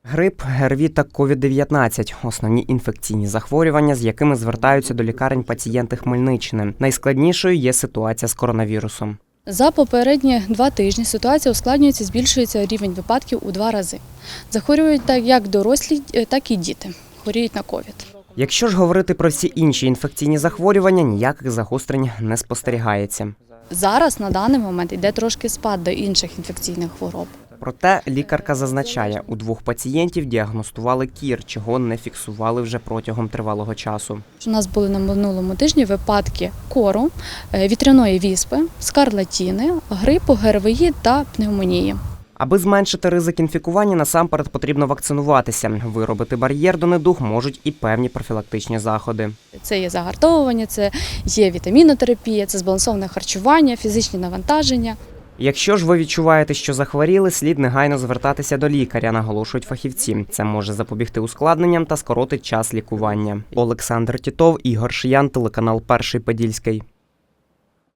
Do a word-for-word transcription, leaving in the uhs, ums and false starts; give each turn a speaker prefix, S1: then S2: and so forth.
S1: Грип, ГРВІ та ковід дев'ятнадцять – основні інфекційні захворювання, з якими звертаються до лікарень пацієнти Хмельниччини. Найскладнішою є ситуація з коронавірусом.
S2: За попередні два тижні ситуація ускладнюється, збільшується рівень випадків у два рази. Захворюють як дорослі, так і діти. Хворіють на ковід.
S1: Якщо ж говорити про всі інші інфекційні захворювання, ніяких загострень не спостерігається.
S2: Зараз, на даний момент, йде трошки спад до інших інфекційних хвороб.
S1: Проте лікарка зазначає, у двох пацієнтів діагностували кір, чого не фіксували вже протягом тривалого часу.
S2: У нас були на минулому тижні випадки кору, вітряної віспи, скарлатіни, грипу, ГРВІ та пневмонії.
S1: Аби зменшити ризик інфікування, насамперед потрібно вакцинуватися. Виробити бар'єр до недуг можуть і певні профілактичні заходи.
S2: Це є загартовування, це є вітамінотерапія, це збалансоване харчування, фізичні навантаження.
S1: Якщо ж ви відчуваєте, що захворіли, слід негайно звертатися до лікаря, наголошують фахівці. Це може запобігти ускладненням та скоротить час лікування. Олександр Тітов, Ігор Шиян, телеканал Перший Подільський.